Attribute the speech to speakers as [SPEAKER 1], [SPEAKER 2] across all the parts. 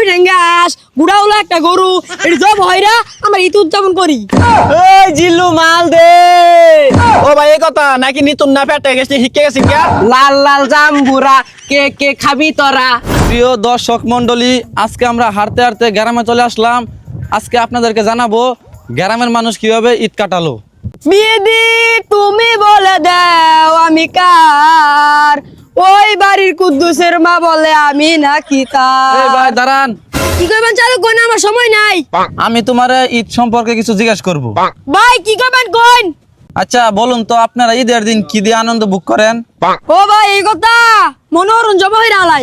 [SPEAKER 1] ঠেঙ্গা হাঁস বুড়া হলো একটা গরু এটা জব হয়রা আমরা ঈদ উদযাপন করি।
[SPEAKER 2] ওই জিল্লু মাল দে।
[SPEAKER 3] ও ভাই এই কথা নাকি নিতুন না পেটে গেছে শিখে গেছি কে?
[SPEAKER 2] লাল লাল জাম্বুরা কে কে খাবি তোরা?
[SPEAKER 4] প্রিয় দর্শক মন্ডলী, আজকে আমরা হাঁটতে হাঁটতে গ্রামে চলে আসলাম। আজকে আপনাদেরকে জানাবো গ্রামের মানুষ কিভাবে ঈদ কাটালো।
[SPEAKER 1] বিদি তুমি বলে দাও আমি কার, ওই বাড়ির কুদ্দুসের মা বলে আমি নাকি
[SPEAKER 4] এই
[SPEAKER 1] তার।
[SPEAKER 4] ভাই দাঁড়ান,
[SPEAKER 1] কি করবেন চালু কোন, আমার সময় নাই।
[SPEAKER 4] আমি তোমার ঈদ সম্পর্কে কিছু জিজ্ঞেস করব।
[SPEAKER 1] ভাই কি করবেন কোন?
[SPEAKER 4] আচ্ছা বলুন তো, আপনারা ঈদের দিন কি দিয়ে আনন্দ ভোগ করেন?
[SPEAKER 1] ও ভাই এই কথা মনোরঞ্জন জমা হইরা আলাই।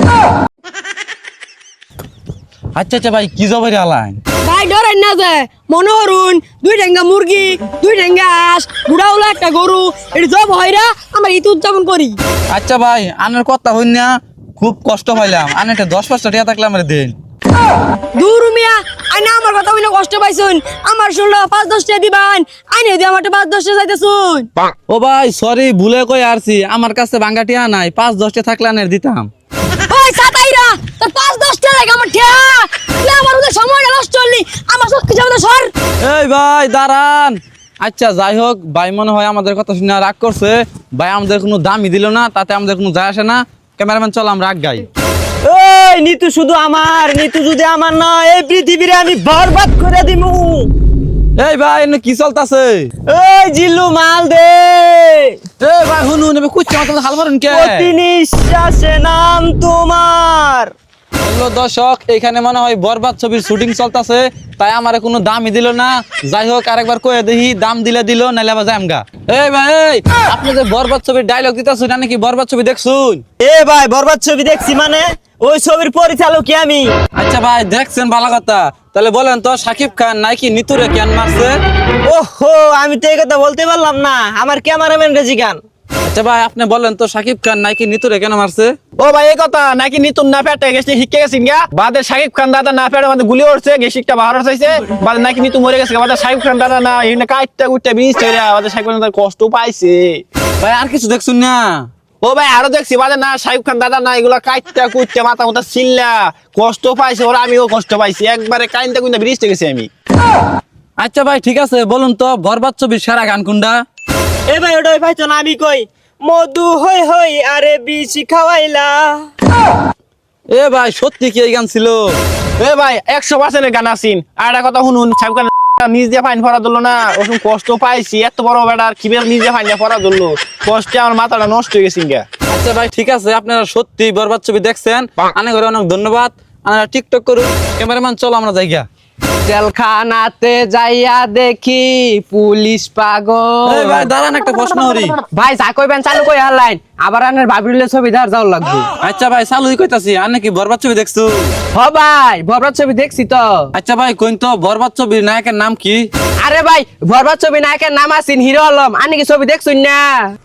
[SPEAKER 4] আচ্ছা আচ্ছা ভাই, কি জবাই আলাইন?
[SPEAKER 1] ভাই ডরেন না যে মনোহরুন দুই ঠেঙ্গা মুরগি দুই ঠেঙ্গা হাঁস বুড়া হলো একটা গরু এটা জব হয়রা আমরা ঈদ উদযাপন করি।
[SPEAKER 4] আচ্ছা ভাই, আনের কথা হইন না, খুব কষ্ট পাইলাম। আনেটা 10-5টা টাকা থাকলে আমার দিন।
[SPEAKER 1] দূর মিয়া আইনা আমার কথা হইনা কষ্ট পাইছুন, আমার শুনলো 5-10 টাকা দিবান, আইনে দি আমারটা 5-10 টাকা চাইতেছুন।
[SPEAKER 4] ও ভাই সরি, ভুলে কই আসছি, আমার কাছে ভাঙ্গা টিয়া নাই, 5-10টা থাকলে আনের দিতাম।
[SPEAKER 1] ওই সাতাইরা তোর 5-10 টাকা লাগে আমার ঠেয়া, তুই আমার ওদের সময়টা নষ্ট করলি, আমার সব কিছু আমাদের সর।
[SPEAKER 4] এই ভাই দাঁড়ান। আচ্ছা যাই হোক, ভাই মনে হয় আমাদের কথা শুনে রাগ করছে। ভাই আমাদের কোনো দামই দিল না, তাতে আমাদের কোনো যায় আসে না। ক্যামেরাম্যান চল আমরা রাগ গাই।
[SPEAKER 2] ওই নিতু শুধু আমার, নিতু যদি আমার না এই পৃথিবীরে আমি বরবাদ করে দিমু।
[SPEAKER 4] এই ভাই এনে কি চলতাছে?
[SPEAKER 2] ওই জিল্লু মাল দে।
[SPEAKER 4] এই ভাই হুনুন এবে কুচ্চা মত হাল মারুন কে?
[SPEAKER 2] প্রতি নিঃশ্বাসে নাম তোমার।
[SPEAKER 4] হ্যালো দর্শক, এখানে মনে হয় বরবাদ ছবির শুটিং চলতেছে, তাই আমার কোনো দামই দিল না। যাই হোক আরেকবার কয়ে দেখি, দাম দিলে দিল, নাইলে আবার যামগা। এই ভাই এই, আপনি যে বরবাদ ছবির ডায়লগ দিতেছেন, না নাকি বরবাদ ছবি দেখছুন?
[SPEAKER 2] এ ভাই বরবাদ ছবি দেখছি মানে ওই ছবির পরিচালক কি আমি।
[SPEAKER 4] আচ্ছা ভাই দেখছেন, ভালো কথা। তাহলে বলেন তো, শাকিব খান নাকি নিতুরে কেন মারছে?
[SPEAKER 2] ওহো, আমি তো এই কথা বলতে পারলাম না, আমার ক্যামেরাম্যান রেজি গান।
[SPEAKER 4] আচ্ছা ভাই আপনি বলেন তো, শাকিব খান নাকি নিতুরে কেন মারছে?
[SPEAKER 3] ও ভাই এই কথা নাকি নিতুন না পেটে গেছে শিখে গেছি কে? বাদে শাকিব খান দাদা না পেটে মানে গুলি উঠছে গেছিকটা বাহার হইছে, বাদে নাকি নিতু মরে গেছে, বাদে শাকিব খান দাদা না এখানে কাইটটা কুইটটা বিনিস চলে, বাদে শাকিব খান দাদা কষ্ট পাইছে।
[SPEAKER 4] ভাই আর কিছু দেখছুন না?
[SPEAKER 3] ও ভাই আরো দেখছি, বাদে না শাকিব খান দাদা না এগুলা কাইটটা কুইটটা মাথা মাথা ছিল্লা কষ্ট পাইছে, ওরা আমিও কষ্ট পাইছি, একবারে কাইনটা কুইনটা বিনিস গেছি আমি।
[SPEAKER 4] আচ্ছা ভাই ঠিক আছে, বলুন তো বরবাদ ছবির সেরা গান কোনটা?
[SPEAKER 2] এ ভাই ওটাই পাইছো না, আমি কই মধু হই হই আরে বিচি খাওয়াইলা।
[SPEAKER 4] এ ভাই সত্যি কি এই গান ছিল?
[SPEAKER 3] এ ভাই 100% গান আছিন। আর একটা কথা শুনুন, শাকিব খান নিজ দিয়ে ফাইন ফরা দিল না, ওরকম কষ্ট পাইছি, এত বড় বেটার কিভাবে নিজে ফাইন ফরা দিল, কষ্টে আমার মাথাটা নষ্ট হয়ে গেছে গা।
[SPEAKER 4] আচ্ছা ভাই ঠিক আছে, আপনারা সত্যি বরবাদ ছবি দেখছেন, অনেক করে অনেক ধন্যবাদ। আপনারা টিকটক করুন। ক্যামেরাম্যান চলো আমরা যাই গা।
[SPEAKER 2] জেলখানাতে যাইয়া দেখি পুলিশ পাগল।
[SPEAKER 4] এই ভাই দাঁড়ান, একটা প্রশ্ন করি।
[SPEAKER 2] ভাই যা কইবেন চালু কই হারলাইন, আবার আনের ভাবিলে ছবি ধার যাও লাগবে।
[SPEAKER 4] আচ্ছা ভাই চালুই কইতাছি, আর নাকি বরবাদ ছবি দেখছো?
[SPEAKER 2] হ ভাই বরবাদ ছবি দেখছি তো।
[SPEAKER 4] আচ্ছা ভাই কইন তো, বরবাদ ছবির নায়কের নাম কি?
[SPEAKER 2] আরে ভাই বরবাদ ছবি নায়কের নাম আছেন হিরো আলম, আনি কি ছবি দেখছুন না?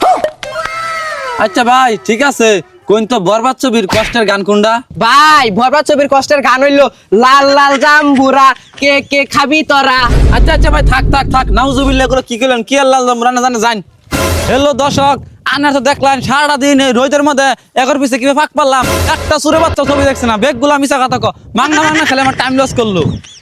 [SPEAKER 4] আচ্ছা ভাই ঠিক আছে, কইন তো বরবাদ ছবির কষ্টের গান কোনটা?
[SPEAKER 2] ভাই বরবাদ ছবির কষ্টের গান হইলো লাল লাল জাম্বুরা কে কে খাবি তোরা।
[SPEAKER 4] আচ্ছা আচ্ছা ভাই থাক থাক থাক, নাউজুবিল্লাহ করে কি কইলেন, কি আল্লাহ জানে জানে জান। হ্যালো দর্শক, আনার তো দেখলেন সারাটা দিন এই রোদের মধ্যে এগর পিছে কিভাবে ফাঁক পারলাম, একটা সুরে বাচ্চা ছবি দেখছে না, বেগগুলা মিশা কথা কো, মাংনা মাংনা খেলে আমার টাইম লস করলো।